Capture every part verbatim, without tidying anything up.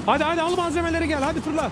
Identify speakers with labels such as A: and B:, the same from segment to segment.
A: Hadi hadi al malzemeleri gel hadi fırla.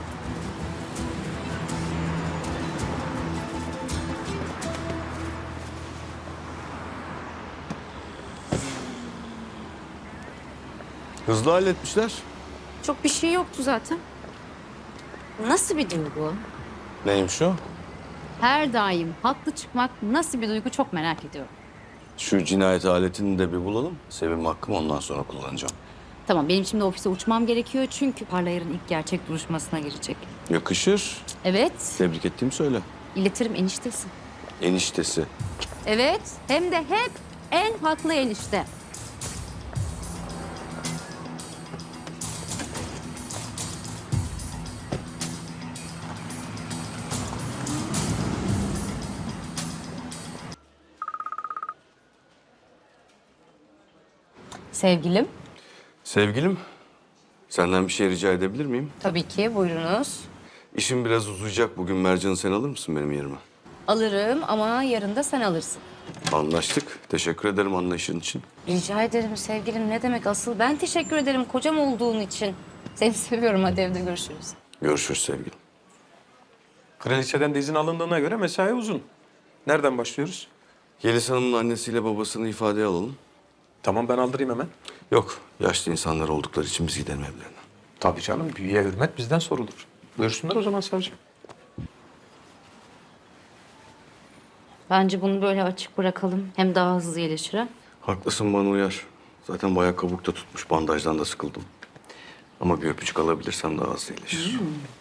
B: Hızlı halletmişler.
C: Çok bir şey yoktu zaten. Nasıl bir duygu?
B: Neymiş o?
C: Her daim haklı çıkmak nasıl bir duygu çok merak ediyorum.
B: Şu cinayet aletini de bir bulalım. Sevim hakkımı ondan sonra kullanacağım.
C: Tamam, benim şimdi ofise uçmam gerekiyor çünkü Parlayar'ın ilk gerçek duruşmasına girecek.
B: Yakışır.
C: Evet,
B: Tebrik ettiğimi söyle.
C: iletirim eniştesi.
B: Eniştesi.
C: Evet, hem de hep en haklı enişte. Sevgilim.
B: Sevgilim, senden bir şey rica edebilir miyim?
C: Tabii ki, buyurunuz.
B: İşim biraz uzayacak bugün. Mercan'ı sen alır mısın benim yerime?
C: Alırım ama yarın da sen alırsın.
B: Anlaştık. Teşekkür ederim anlayışın için.
C: Rica ederim sevgilim. Ne demek asıl? Ben teşekkür ederim kocam olduğun için. Seni seviyorum. Hadi evde görüşürüz.
B: Görüşürüz sevgilim.
A: Kraliçeden de izin alındığına göre mesai uzun. Nereden başlıyoruz?
B: Yeliz Hanım'ın annesiyle babasını ifadeye alalım.
A: Tamam ben aldırayım hemen.
B: Yok, yaşlı insanlar oldukları için biz gidelim evlerine.
A: Tabii canım büyüye hürmet bizden sorulur. Buyursunlar o zaman savcı.
C: Bence bunu böyle açık bırakalım. Hem daha hızlı iyileşir ha.
B: Haklısın, bana uyar. Zaten bayağı kabukta tutmuş, bandajdan da sıkıldım. Ama bir öpücük alabilirsem daha hızlı iyileşir.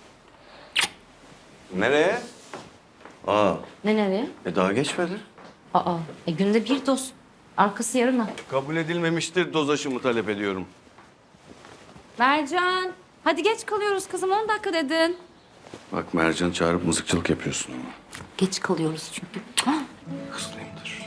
B: Nereye? Aa,
C: Ne nereye?
B: e daha geçmedi.
C: Aa, e günde bir doz. Arkası yarına.
B: Kabul edilmemiştir, doz aşımı talep ediyorum.
C: Mercan. Hadi geç kalıyoruz kızım. on dakika dedin.
B: Bak Mercan'ı çağırıp mızıkçılık yapıyorsun ama.
C: Geç kalıyoruz çünkü.
B: Hızlıyımdır.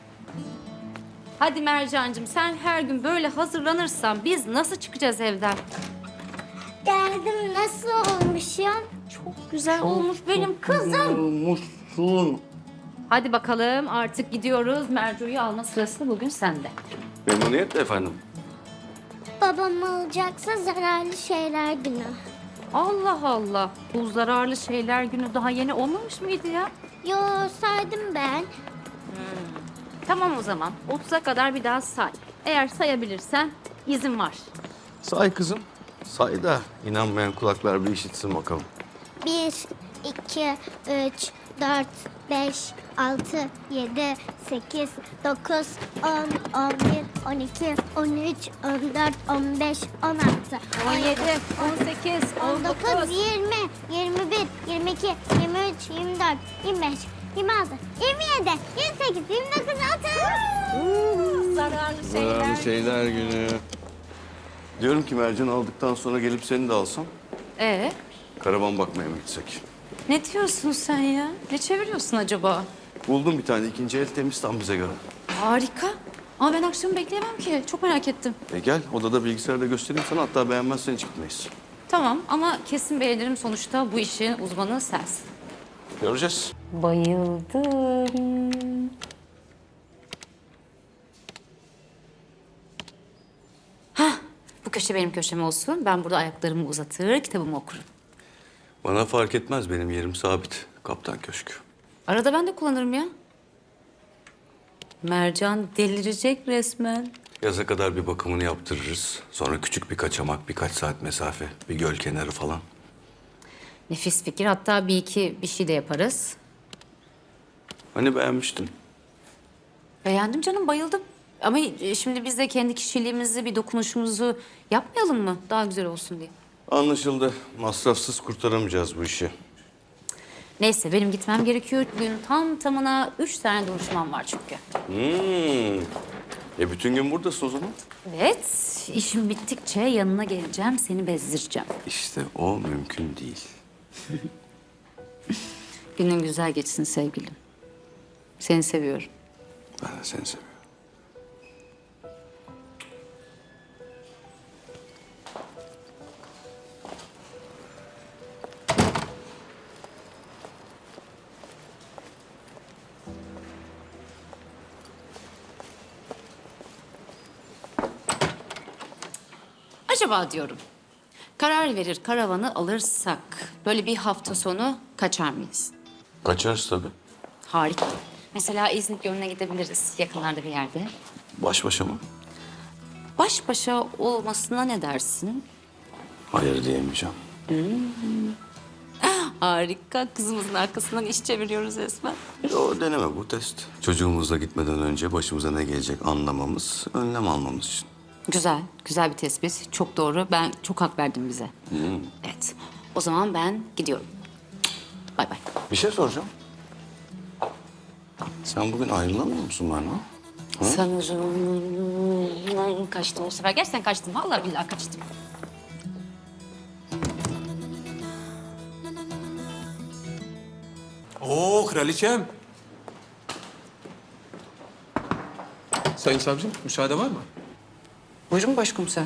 C: Hadi Mercancığım sen her gün böyle hazırlanırsan biz nasıl çıkacağız evden?
D: Geldim, nasıl olmuşum?
C: Çok güzel olmuş benim kızım.
B: Olmuşsun.
C: Hadi bakalım artık gidiyoruz. Mercu'yu alma sırası bugün sende.
B: Memnuniyetle efendim.
D: Babam alacaksa zararlı şeyler günü.
C: Allah Allah. Bu zararlı şeyler günü daha yeni olmamış mıydı ya?
D: Yo, saydım ben.
C: Tamam o zaman. otuza kadar bir daha say. Eğer sayabilirsen izin var.
B: Say kızım. Say da inanmayan kulaklar bir işitsin bakalım.
D: Bir, iki, üç, dört, beş, altı, yedi, sekiz, dokuz, on, on bir, on iki, on üç, on dört, on beş, on altı,
C: on yedi, on sekiz,
D: on dokuz, yirmi, yirmi bir, yirmi iki, yirmi üç, yirmi dört, yirmi beş, yirmi altı, yirmi yedi, yirmi sekiz, yirmi dokuz, otuz.
C: Zararlı şeyler.
B: Zararlı şeyler günü. Diyorum ki Mercan'ı aldıktan sonra gelip seni de alsam.
C: Ee,
B: Karavan bakmaya mı gitsek?
C: ne diyorsun sen ya? Ne çeviriyorsun acaba?
B: Buldum bir tane ikinci el temiz tam bize göre.
C: Harika. Ama ben akşam bekleyemem ki. Çok merak ettim.
B: E gel odada bilgisayarda göstereyim sana, hatta beğenmezsen hiç gitmeyiz.
C: Tamam ama kesin beğenirim sonuçta bu işin uzmanı sensin.
B: Göreceğiz.
C: Bayıldım. Hah, bu köşe benim köşem olsun. Ben burada ayaklarımı uzatır, kitabımı okurum.
B: Bana fark etmez, benim yerim sabit. Kaptan Köşkü.
C: Arada ben de kullanırım ya. Mercan delirecek resmen.
B: Yaza kadar bir bakımını yaptırırız. Sonra küçük bir kaçamak, birkaç saat mesafe, bir göl kenarı falan.
C: Nefis fikir. Hatta bir iki bir şey de yaparız.
B: Hani beğenmiştin?
C: Beğendim canım, bayıldım. Ama şimdi biz de kendi kişiliğimizi, bir dokunuşumuzu yapmayalım mı? Daha güzel olsun diye.
B: Anlaşıldı. Masrafsız kurtaramayacağız bu işi.
C: Neyse benim gitmem gerekiyor. Bugün tam tamına üç tane duruşmam var çünkü.
B: Hmm. E bütün gün buradasın o zaman.
C: Evet, işim bittikçe yanına geleceğim, seni bezdireceğim.
B: İşte o mümkün değil.
C: Günün güzel geçsin sevgilim. Seni seviyorum.
B: Ben de seni seviyorum.
C: Acaba diyorum, Karar verir karavanı alırsak böyle bir hafta sonu kaçar mıyız?
B: Kaçarız tabii.
C: Harika. Mesela İznik Gölü'ne gidebiliriz yakınlarda bir yerde.
B: Baş başa mı?
C: Baş başa olmasına ne dersin?
B: Hayır diyemeyeceğim.
C: Harika. Kızımızın arkasından iş çeviriyoruz resmen.
B: O deneme bu test. Çocuğumuzla gitmeden önce başımıza ne gelecek anlamamız, önlem almamız için.
C: Güzel, güzel bir tespit. Çok doğru. Ben çok hak verdim bize. Evet. O zaman ben gidiyorum. Bay bay.
B: Bir şey soracağım. Sen bugün ayrılamıyor musun bana?
C: Sanırım kaçtım bu sefer. Gerçekten kaçtım. Vallahi billahi kaçtım.
A: Oo kraliçem. Sayın savcım müsaade var mı?
E: Buyurun başkomiser.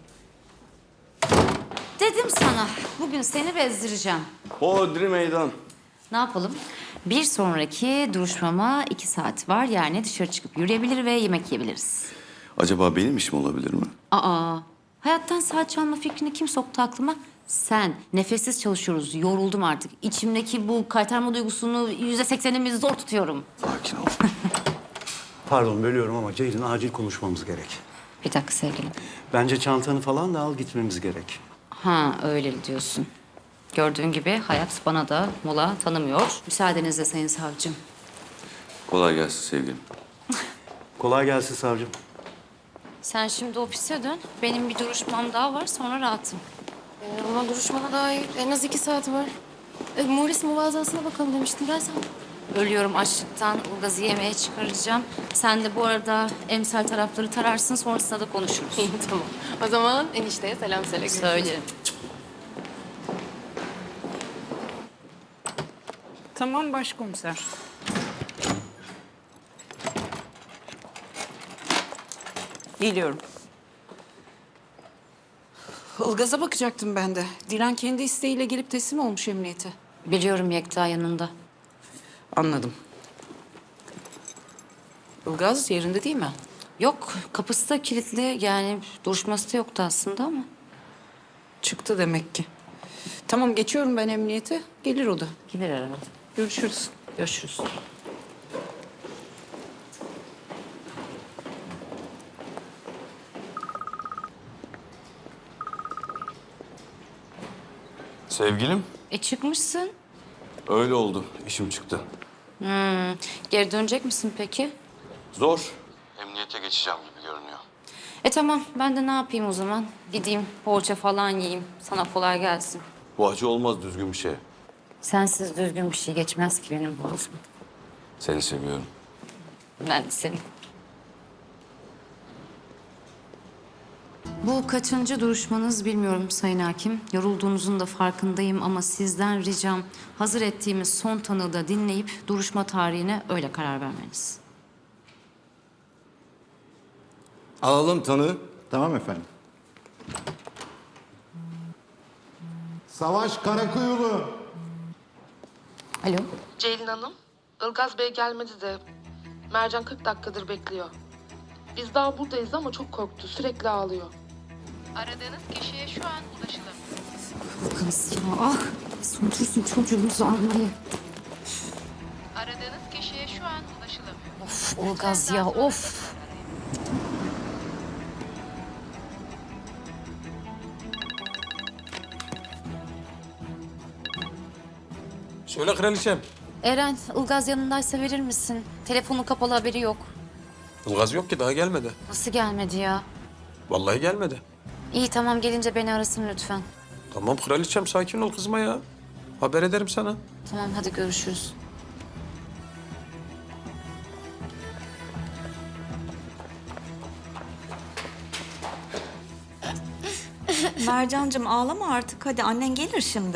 C: Dedim sana. Bugün seni bezdireceğim.
B: Hodri meydan.
C: Ne yapalım? Bir sonraki duruşmama iki saat var. Yani dışarı çıkıp yürüyebilir ve yemek yiyebiliriz.
B: Acaba benim işim olabilir mi?
C: Aa, hayattan saat çalma fikrini kim soktu aklıma? Sen. Nefessiz çalışıyoruz. Yoruldum artık. İçimdeki bu kaytarma duygusunu yüzde seksenimi zor tutuyorum.
B: Sakin ol.
F: Pardon bölüyorum ama Ceylin acil konuşmamız gerek.
C: Bir dakika sevgilim.
F: Bence çantanı falan da al gitmemiz gerek.
C: Ha öyle diyorsun. Gördüğün gibi hayat bana da mola tanımıyor. Müsaadenizle sayın savcım.
B: Kolay gelsin sevgilim.
F: Kolay gelsin savcım.
C: Sen şimdi ofise dön. Benim bir duruşmam daha var sonra rahatım.
E: Ee, ama duruşmana dair en az iki saat var. E, Morris muvazasına bakalım demiştin. Ben sana...
C: Ölüyorum açlıktan. Ilgaz'ı yemeğe çıkaracağım. Sen de bu arada emsal tarafları tararsın. Sonrasında da konuşuruz.
E: İyi tamam. O zaman enişteye selam söyle. Görüşürüz.
C: Söylerim.
G: Tamam başkomiser. Geliyorum. Ilgaz'a bakacaktım ben de. Dilan kendi isteğiyle gelip teslim olmuş emniyete.
C: Biliyorum Yekta yanında.
G: Anladım. Ilgaz yerinde değil mi?
C: Yok kapısı da kilitli. Yani duruşması da yoktu aslında ama.
G: Çıktı demek ki. Tamam geçiyorum ben emniyete. Gelir o da.
C: Gelir herhalde.
G: Görüşürüz.
C: Görüşürüz.
B: Sevgilim,
C: E çıkmışsın.
B: öyle oldu. İşim çıktı.
C: Hmm. Geri dönecek misin peki?
B: Zor. Emniyete geçeceğim gibi görünüyor.
C: E tamam ben de ne yapayım o zaman? Gideyim poğaça falan yiyeyim. Sana kolay gelsin.
B: Bu acı olmaz düzgün bir şey.
C: Sensiz düzgün bir şey geçmez ki benim boğazıma.
B: Seni seviyorum.
C: Ben de seni. Bu kaçıncı duruşmanız bilmiyorum Sayın Hakim. Yorulduğunuzun da farkındayım ama sizden ricam hazır ettiğimiz son tanığı da dinleyip duruşma tarihine öyle karar vermeniz.
H: Alalım tanığı.
I: Tamam efendim. Savaş Karakuyulu.
C: Alo.
J: Ceylin Hanım, Ilgaz Bey gelmedi de Mercan kırk dakikadır bekliyor. Biz daha buradayız ama çok korktu, sürekli ağlıyor. Aradığınız kişiye şu an ulaşılamıyor.
C: Kız ya ah. Sonutursun çocuğumuzu almayı.
J: Aradığınız kişiye şu an ulaşılamıyor.
C: Of Ilgaz ya of.
A: Söyle kraliçem.
C: Eren, Ilgaz yanındaysa verir misin? Telefonu kapalı haberi yok.
A: Ilgaz yok ki daha gelmedi.
C: Nasıl gelmedi ya?
A: Vallahi gelmedi.
C: İyi tamam gelince beni arasın lütfen.
A: Tamam kraliçem sakin ol kızma ya. Haber ederim sana.
C: Tamam hadi görüşürüz.
K: Mercancığım ağlama artık. Hadi annen gelir şimdi.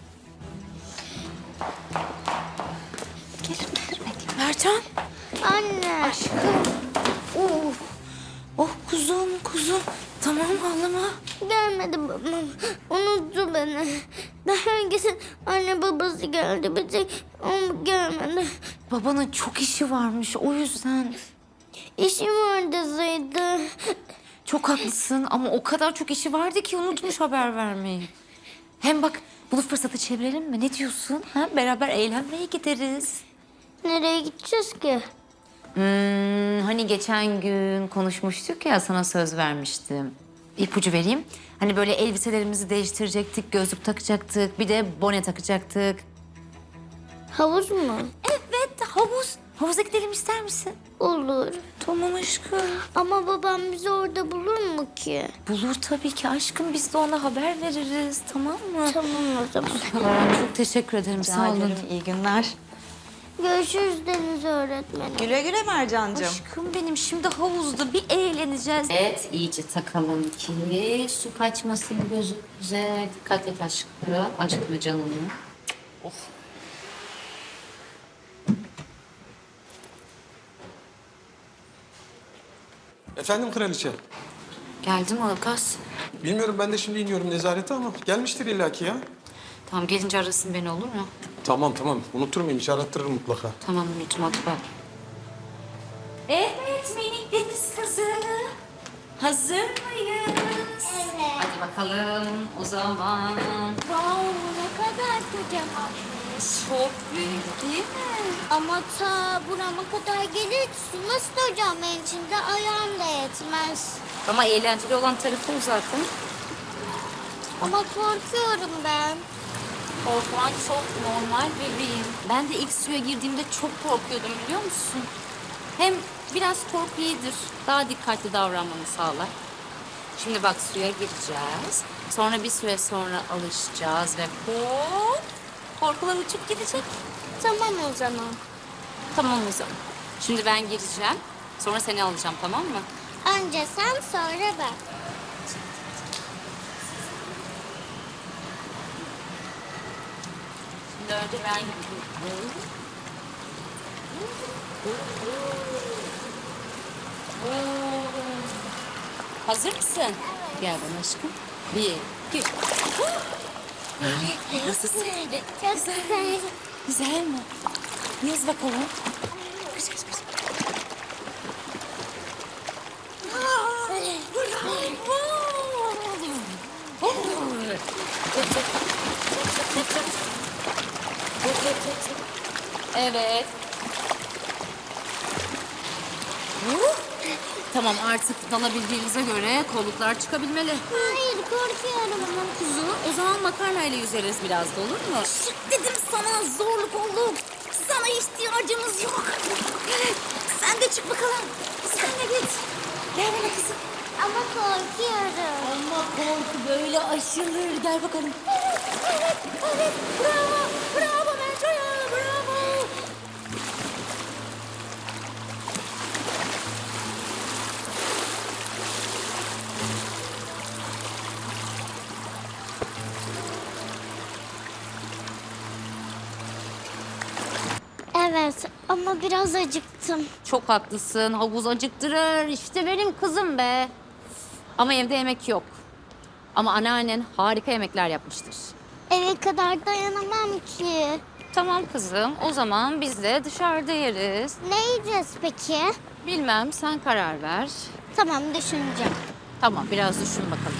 C: Gelir gelir bekle. Mercan.
D: Anne.
C: Aşkım. Oh. Oh kuzum kuzum. Tamam ağlama.
D: Gelmedi babam. Unuttu beni. Daha öncesi anne babası geldi. Bir tek o gelmedi.
C: Babanın çok işi varmış o yüzden.
D: İşim vardı Zeyda.
C: Çok haklısın ama o kadar çok işi vardı ki unutmuş haber vermeyi. Hem bak bunu fırsatı çevirelim mi? Ne diyorsun? Ha? Beraber eğlenmeye gideriz.
D: Nereye gideceğiz ki?
C: Hmm, hani geçen gün konuşmuştuk ya sana söz vermiştim. İpucu vereyim. Hani böyle elbiselerimizi değiştirecektik, gözlük takacaktık, bir de bone takacaktık.
D: Havuz mu?
C: Evet, havuz. Havuza gidelim ister misin?
D: Olur.
C: Tamam aşkım.
D: Ama babam bizi orada bulur mu ki?
C: Bulur tabii ki aşkım. Biz de ona haber veririz. Tamam mı?
D: Tamam o zaman.
C: Çok teşekkür ederim. Sağ olun.
K: İyi günler.
D: Görüşürüz Deniz öğretmenim.
K: Güle güle Mercan'cığım.
C: Aşkım benim şimdi havuzda bir eğleneceğiz. Evet iyice takalım ki su kaçmasın gözümüze. Dikkat et aşkım. Acıtma canını.
A: Efendim kraliçe?
C: Geldi mi Ilgaz?
A: Bilmiyorum ben de şimdi iniyorum nezarete ama gelmiştir illaki ya.
C: Tamam gelince arasın beni olur mu?
A: Tamam tamam unutur muyum hiç arattırırım mutlaka.
C: Tamam unutmadım ben. Evet minik deniz kızı. Hazır mıyız?
D: Evet.
C: Hadi bakalım o zaman.
D: Wow, ne kadar kocamanmış.
C: Çok büyük değil mi?
D: Ama ta burama kadar gelir. Su nasıl hocam benim içinde ayağım da yetmez.
C: Ama eğlenceli olan tarafı o zaten.
D: Ama korkuyorum ben.
C: Korkman çok normal bebeğim. Ben de ilk suya girdiğimde çok korkuyordum biliyor musun? Hem biraz korku iyidir. Daha dikkatli davranmanı sağlar. Şimdi bak suya gireceğiz. Sonra bir süre sonra alışacağız ve hop korkular uçup gidecek.
D: Tamam o zaman.
C: Tamam o zaman. Şimdi ben gireceğim. Sonra seni alacağım tamam mı?
D: Önce sen sonra ben.
C: Şimdi önce ben gireyim. Hazır mısın? Gel bana aşkım. Bir, iki. Nasılsın?
D: Çok güzel.
C: Güzel mi? Yüz bakalım. Kış kış kış. Evet. Tamam artık dalabildiğinize göre kolluklar çıkabilmeli.
D: Hayır korkuyorum.
C: Tamam kuzu. O zaman makarnayla yüzeriz biraz da olur mu?
K: Dedim sana zorluk olduk. Sana ihtiyacımız yok. Sen de çık bakalım. Sen de git. Gel bana kızım.
D: Ama korkuyorum.
C: Ama korku böyle aşılır. Gel bakalım.
D: Evet, evet. Bravo, bravo Mertoya, bravo. Evet ama biraz acıktım.
C: Çok haklısın. Havuz acıktırır. İşte benim kızım be. Ama evde yemek yok. Ama anneannen harika yemekler yapmıştır.
D: Eve kadar dayanamam ki.
C: Tamam kızım. O zaman biz de dışarıda yeriz.
D: Ne yiyeceğiz peki?
C: Bilmem sen karar ver.
D: Tamam düşüneceğim.
C: Tamam biraz düşün bakalım.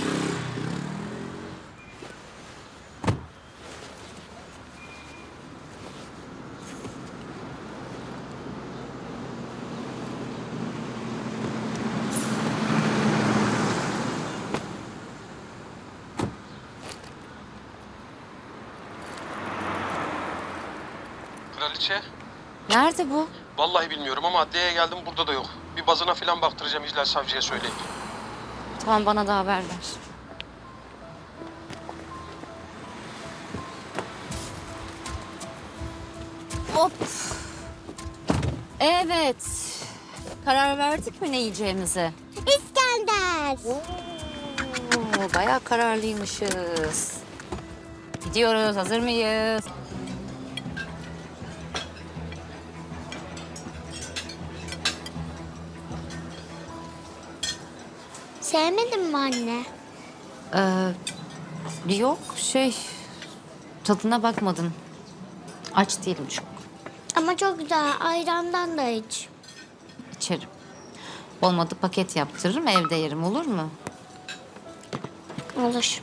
A: Kraliçe?
C: Nerede bu?
A: Vallahi bilmiyorum ama adliyeye geldim burada da yok. Bir bazına falan baktıracağım İclal Savcı'ya söyleyip.
C: Tamam bana da haber ver. Hop. Evet. Karar verdik mi ne yiyeceğimize?
D: İskender.
C: Oo, bayağı kararlıymışız. Gidiyoruz. Hazır mıyız?
D: Sevmedin mi anne?
C: Ee, yok şey tadına bakmadım. Aç değilim çok.
D: Ama çok güzel. Ayrandan da iç.
C: İçerim. Olmadı paket yaptırırım, evde yerim, olur mu?
D: Olur.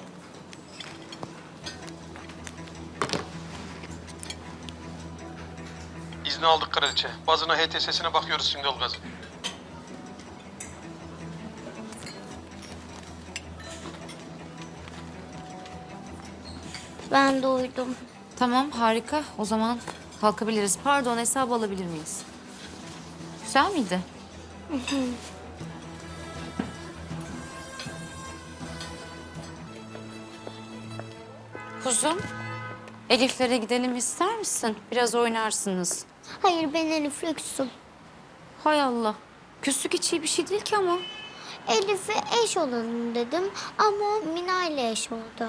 A: İzni aldık kraliçe. Bazına H T S'sine bakıyoruz şimdi Ilgaz'ın.
D: Ben de uyudum.
C: Tamam, harika. O zaman kalkabiliriz. Pardon, hesabı alabilir miyiz? Güzel miydi? Kuzum, Elif'lere gidelim ister misin? Biraz oynarsınız.
D: Hayır, ben Elif Lüksüm.
C: Hay Allah. Küslük hiç iyi bir şey değil ki ama.
D: Elif'e eş olalım dedim ama Mina ile eş oldu.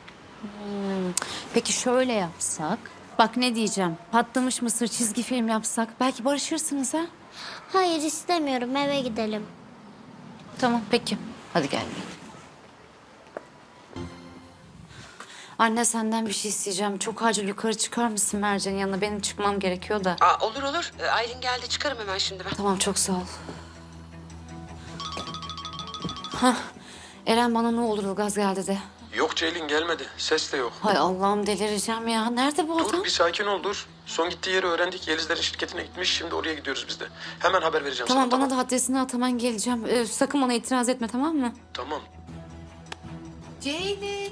C: Peki şöyle yapsak? Bak ne diyeceğim. Patlamış mısır çizgi film yapsak belki barışırsınız ha?
D: Hayır, istemiyorum, eve gidelim.
C: Tamam peki. Hadi gel. Anne senden bir şey isteyeceğim. Çok acil yukarı çıkar mısın Mercan'ın yanına? Benim çıkmam gerekiyor da.
G: Aa, olur olur. Ee, Aylin geldi çıkarım hemen şimdi ben.
C: Tamam çok sağ ol. Hah. Eren bana ne olur Ilgaz geldi de.
A: Yok Ceylin gelmedi. Ses de yok.
C: Hay Allah'ım delireceğim ya. Nerede bu adam?
A: Dur bir sakin ol dur. Son gittiği yeri öğrendik. Yelizlerin şirketine gitmiş. Şimdi oraya gidiyoruz biz de. Hemen haber vereceğim
C: Tamam
A: sana.
C: bana da adresini at hemen geleceğim. Ee, sakın bana itiraz etme tamam mı?
A: Tamam.
G: Ceylin.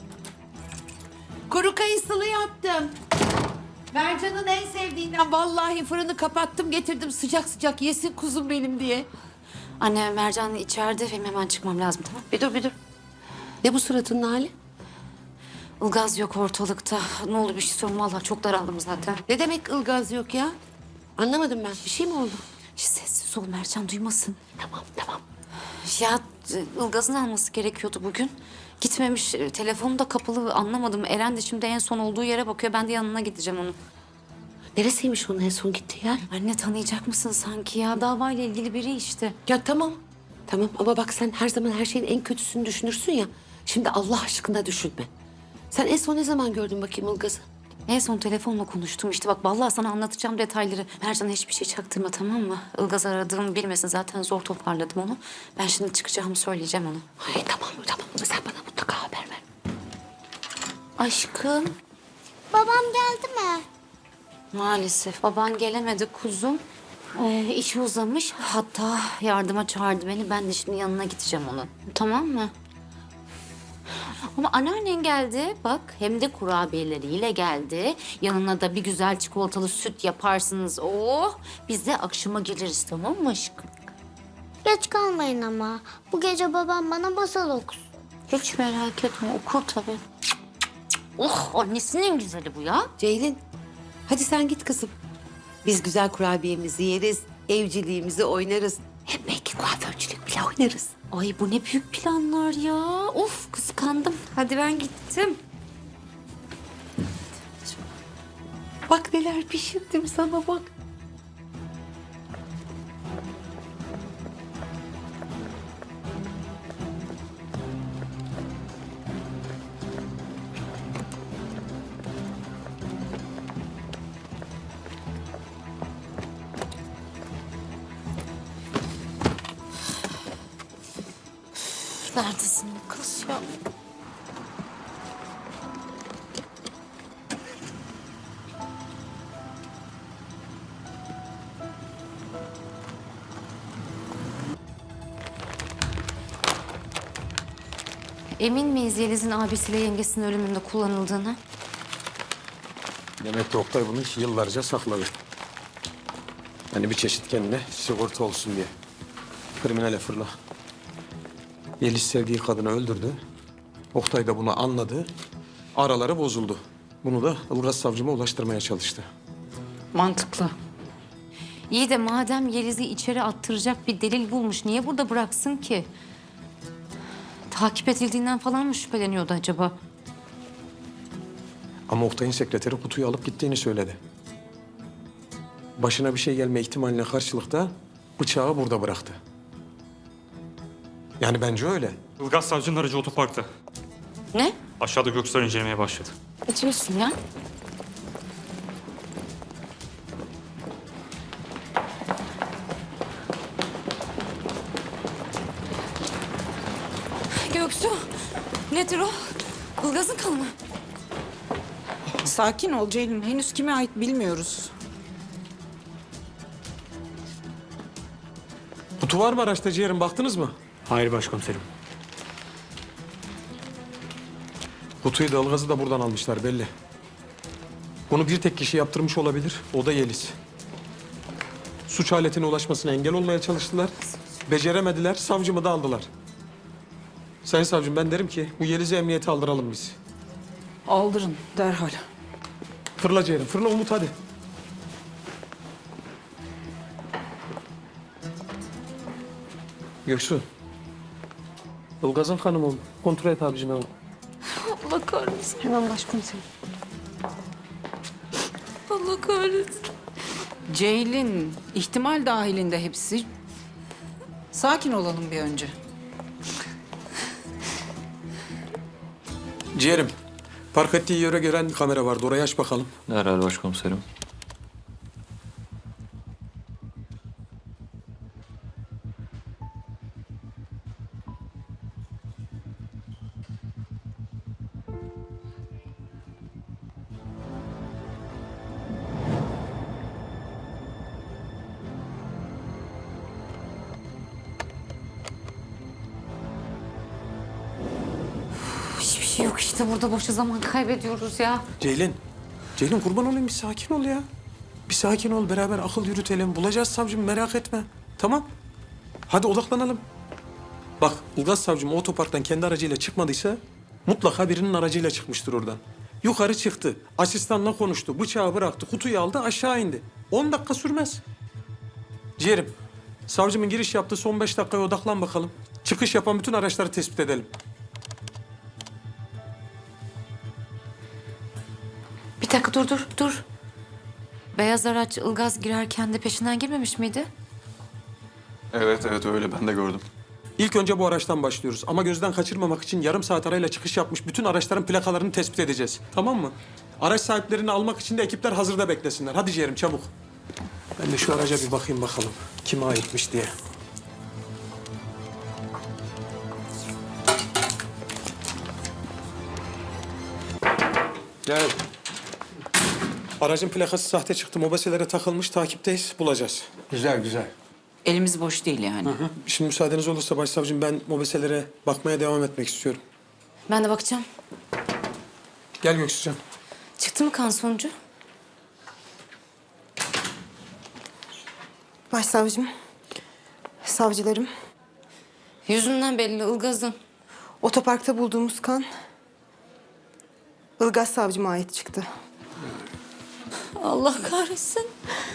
G: Kuru kayısılı yaptım. Mercan'ın en sevdiğinden vallahi fırını kapattım getirdim sıcak sıcak yesin kuzum benim diye.
C: Anne Mercan içeride benim hemen çıkmam lazım tamam.
G: Bir dur bir dur. Ne bu suratının hali?
C: Ilgaz yok ortalıkta. Ne olur bir şey sorun vallahi çok daraldım zaten.
G: Ne demek ılgaz yok ya? Anlamadım ben. Bir şey mi oldu?
C: Şş, sessiz ol Mercan duymasın.
G: Tamam tamam.
C: Ya e, Ilgaz'ın alması gerekiyordu bugün. Gitmemiş. e, Telefonu da kapalı anlamadım. Eren de şimdi en son olduğu yere bakıyor. Ben de yanına gideceğim onun.
G: Neresiymiş onun en son gittiği yer?
C: Anne tanıyacak mısın sanki ya? Davayla ilgili biri işte.
G: Ya tamam. Tamam ama bak sen her zaman her şeyin en kötüsünü düşünürsün ya. Şimdi Allah aşkına düşünme. Sen en son ne zaman gördün bakayım Ilgaz'ı?
C: En son telefonla konuştum işte bak vallahi sana anlatacağım detayları. Mercan'a hiçbir şey çaktırma tamam mı? Ilgaz aradığımı bilmesin zaten zor toparladım onu. Ben şimdi çıkacağımı söyleyeceğim ona.
G: Ay tamam tamam sen bana mutlaka haber ver.
C: Aşkım
D: Babam geldi mi?
C: maalesef baban gelemedi kuzum. Ee, işi uzamış hatta yardıma çağırdı beni. Ben de şimdi yanına gideceğim onun. Tamam mı? Ama anneannen geldi bak hem de kurabiyeleriyle geldi. Yanına da bir güzel çikolatalı süt yaparsınız. Oh biz de akşama geliriz tamam mı aşkım?
D: Geç kalmayın ama. Bu gece babam bana masal okusun.
C: Hiç merak etme okur tabii. Oh annesinin en güzeli bu ya.
G: Ceylin hadi sen git kızım. Biz güzel kurabiyemizi yeriz, evciliğimizi oynarız. Hem belki kuaförcülük bile oynarız.
C: Ay bu ne büyük planlar ya. Of kıskandım. Hadi ben gittim.
G: Bak neler pişirdim sana bak.
C: Neredesin bu kız ya? Emin miyiz Yeliz'in abisiyle yengesinin ölümünde kullanıldığını?
A: Demek ki Oktay bunu yıllarca sakladı. Hani bir çeşit kendine sigorta olsun diye. Kriminale fırla. Yeliz sevdiği kadını öldürdü. Oktay da bunu anladı. Araları bozuldu. Bunu da Ilgaz savcıma ulaştırmaya çalıştı.
C: Mantıklı. İyi de madem Yeliz'i içeri attıracak bir delil bulmuş, niye burada bıraksın ki? Takip edildiğinden falan mı şüpheleniyordu acaba?
A: Ama Oktay'ın sekreteri kutuyu alıp gittiğini söyledi. Başına bir şey gelme ihtimaline karşılıkta bıçağı burada bıraktı. Yani bence öyle.
I: Ilgaz savcının aracı otoparkta.
C: Ne?
I: Aşağıda Göksel incelemeye başladı.
C: Ne diyorsun ya?
K: Göksu, nedir o? Ilgaz'ın kanı mı?
L: Sakin ol Ceylin. Henüz kime ait bilmiyoruz.
A: Kutu var mı araçta ciğerim, baktınız mı?
I: Hayır başkomiserim.
A: Kutuyu da Ilgaz'ı da buradan almışlar belli. Bunu bir tek kişi yaptırmış olabilir. O da Yeliz. Suç aletine ulaşmasına engel olmaya çalıştılar. Beceremediler. Savcımı da aldılar. Sayın savcım, ben derim ki bu Yeliz'i emniyete aldıralım biz.
L: Aldırın derhal.
A: Fırla ciğerim. Fırla Umut, hadi. Göksu. Ilgaz'ın kanı mı? Kontrol et abicim hemen.
E: Allah kahretsin.
L: Hemen başkomiserim.
E: Allah kahretsin.
L: Ceylin, ihtimal dahilinde hepsi. Sakin olalım bir önce.
A: Ciğerim. Park ettiği yere gören kamera vardı. Orayı aç bakalım.
I: Derhal başkomiserim.
C: Hiçbir şey yok işte, burada boşa zaman kaybediyoruz ya.
A: Ceylin. Ceylin, kurban olayım, bir sakin ol ya. Bir sakin ol, beraber akıl yürütelim. Bulacağız savcım, merak etme. Tamam. Hadi odaklanalım. Bak, Ilgaz savcım o otoparktan kendi aracıyla çıkmadıysa mutlaka birinin aracıyla çıkmıştır oradan. Yukarı çıktı, asistanla konuştu, bıçağı bıraktı, kutuyu aldı, aşağı indi. On dakika sürmez. Ciğerim, savcımın giriş yaptığı son beş dakikaya odaklan bakalım. Çıkış yapan bütün araçları tespit edelim.
C: Bir dakika, dur dur dur. Beyaz araç Ilgaz girerken de peşinden girmemiş miydi?
B: Evet evet öyle ben de gördüm.
A: İlk önce bu araçtan başlıyoruz ama gözden kaçırmamak için yarım saat arayla çıkış yapmış bütün araçların plakalarını tespit edeceğiz. Tamam mı? Araç sahiplerini almak için de ekipler hazırda beklesinler. Hadi ciğerim, çabuk. Ben de şu araca bir bakayım bakalım kime aitmiş diye. Gel. Aracın plakası sahte çıktı. Mobeselere takılmış. Takipteyiz. Bulacağız.
F: Güzel güzel.
L: Elimiz boş değil yani.
A: Hı. Şimdi müsaadeniz olursa başsavcım, ben mobeselere bakmaya devam etmek istiyorum.
E: Ben de bakacağım.
A: Gel Göksu'can.
E: Çıktı mı kan sonucu?
K: Başsavcım, savcılarım,
E: Yüzünden belli Ilgaz'ın.
K: otoparkta bulduğumuz kan Ilgaz savcıma ait çıktı.
E: Allah kahretsin.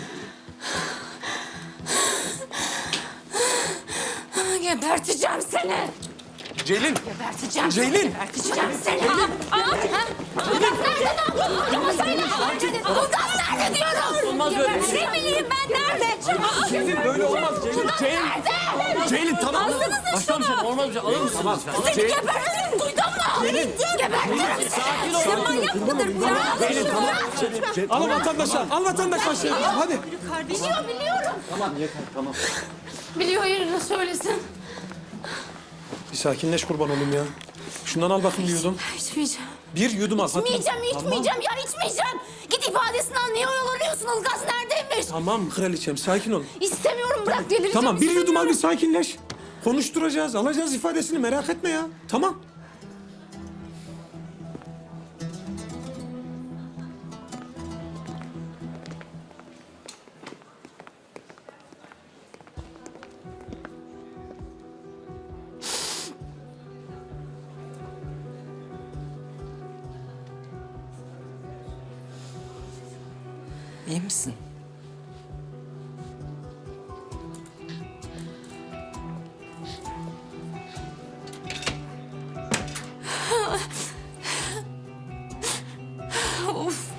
E: Geberteceğim seni.
A: Ceylin.
E: Geberteceğim
A: Ceylin.
E: seni. Geberteceğim seni. Aa, aa, ha? Ilgaz nerede? Adamı söyle. Ilgaz nerede diyorum. Olmaz böyle. Ne bileyim ben nerede?
A: Ceylin böyle olmaz. Ceylin. Ceylin.
E: Nerede?
A: Ceylin tamam.
E: Alsanıza şunu.
I: Olmaz bir şey. Alır mısın?
A: Tamam.
E: Seni gebertirim. Duydun mu? Gebertirim seni. Sen manyak mıdır bu ya?
A: Ceylin tamam. Al vatandaşa. Al vatandaşa. Hadi.
E: Biliyor biliyorum.
F: Tamam yeter tamam.
E: Biliyor, yerine söylesin.
A: Bir sakinleş kurban olayım ya. Şundan al bakayım bir yudum.
E: İçmeyeceğim.
A: Bir yudum al. Hadi.
E: İçmeyeceğim, içmeyeceğim ya içmeyeceğim. Git ifadesini al. Niye oyalanıyorsun? Ilgaz neredeymiş?
A: Tamam kraliçem, sakin ol.
E: İstemiyorum, bırak delireceğim.
A: Tamam, bir yudum al, bir
E: istemiyorum.
A: sakinleş. Konuşturacağız, alacağız ifadesini, merak etme ya. Tamam.
L: İyi misin?
E: Of.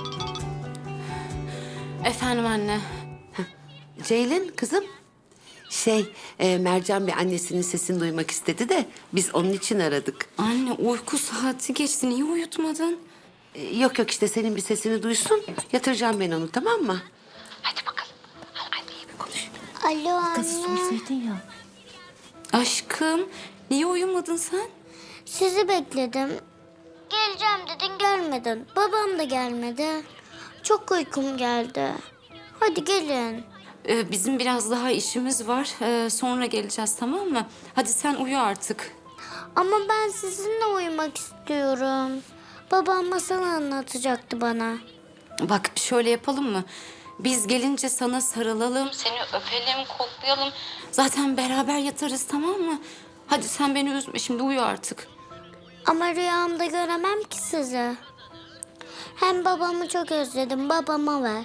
E: Efendim anne.
G: Ceylin kızım. Şey, e, Mercan bir annesinin sesini duymak istedi de biz onun için aradık.
E: Anne uyku saati geçti. Niye uyutmadın?
G: E, yok yok işte senin bir sesini duysun. Yatıracağım ben onu, tamam mı? Hadi bakalım. Anneyle bir konuş.
D: Alo anne.
E: ya. Aşkım niye uyumadın sen?
D: Sizi bekledim. Geleceğim dedin gelmedin. Babam da gelmedi. Çok uykum geldi. Hadi gelin.
E: Ee, bizim biraz daha işimiz var. Ee, sonra geleceğiz tamam mı? Hadi sen uyu artık.
D: Ama ben sizinle uyumak istiyorum. Babam masal anlatacaktı bana.
E: Bak şöyle yapalım mı? Biz gelince sana sarılalım, seni öpelim, koklayalım. Zaten beraber yatarız tamam mı? Hadi sen beni üzme şimdi uyu artık.
D: Ama rüyamda göremem ki sizi. Hem babamı çok özledim. Babama ver.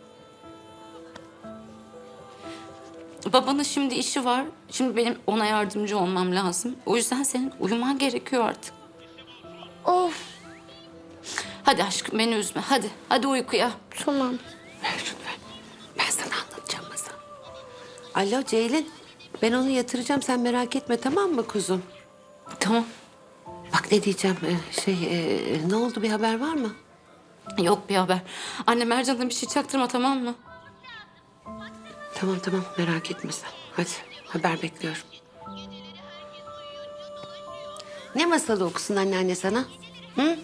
E: Babanın şimdi işi var. Şimdi benim ona yardımcı olmam lazım. O yüzden senin uyuman gerekiyor artık.
D: Of.
E: Hadi aşkım beni üzme. Hadi. Hadi uykuya.
D: Tamam.
G: Ver şunu ver. Ben sana anlatacağım masal. Alo Ceylin. Ben onu yatıracağım, sen merak etme tamam mı kuzum?
E: Tamam.
G: Bak ne diyeceğim, e, şey e, ne oldu, bir haber var mı?
E: Yok bir haber. Anne Mercan'a bir şey çaktırma tamam mı?
G: Tamam tamam merak etme sen. Hadi haber bekliyorum. Ne masalı okusun anneanne sana? Hı?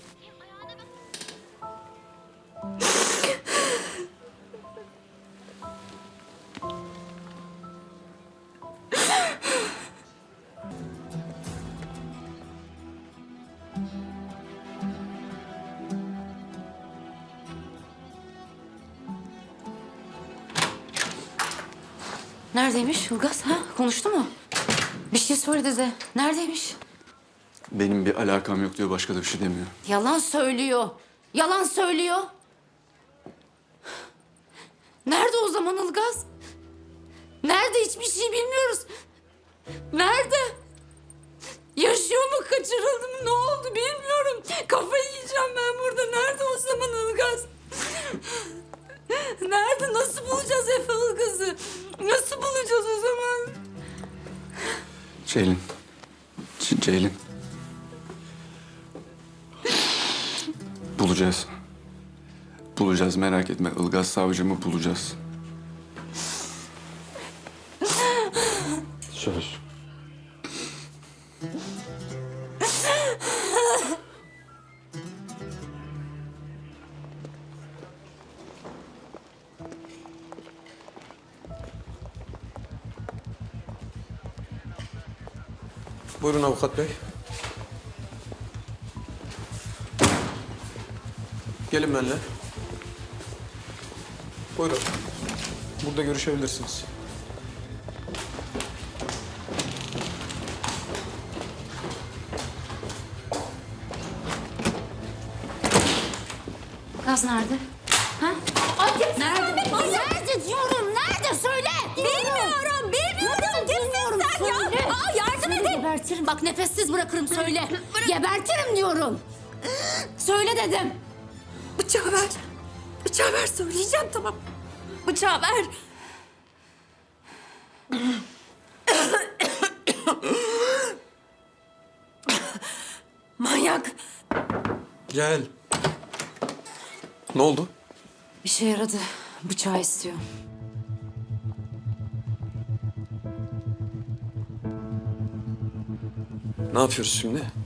E: Neredeymiş Ilgaz ha? Konuştu mu? Bir şey söyledi de. Neredeymiş?
I: Benim bir alakam yok diyor, başka da bir şey demiyor.
E: Yalan söylüyor. Yalan söylüyor. Nerede o zaman Ilgaz? Nerede? Hiçbir şey bilmiyoruz. Nerede? Yaşıyor mu? Kaçırıldı mı? Ne oldu? Bilmiyorum. Kafayı yiyeceğim ben burada. Nerede o zaman Ilgaz? Nerede? Nasıl bulacağız Efe Ilgaz'ı? Nasıl bulacağız o zaman?
I: Ceylin. C- Ceylin. Bulacağız. Bulacağız, merak etme. Ilgaz savcımı bulacağız. Söz.
A: Buyurun avukat bey. Gelin benimle. Buyurun. Burada görüşebilirsiniz.
E: Ilgaz nerede? Ha? Nerede?
K: Nerede diyorum? Nerede? Söyle. Bilmiyorum. Bilmiyorum. Kimsin sen ya? Aa, yardım edin.
E: Gebertirim. Bak nefessiz bırakırım söyle. Gebertirim diyorum. Söyle dedim.
K: Bıçağı ver. Bıçağı ver. Söyleyeceğim tamam. Bıçağı ver. Manyak.
A: Gel. Ne oldu?
E: Bir şey yaradı. Bıçağı istiyor.
A: Ne yapıyoruz şimdi?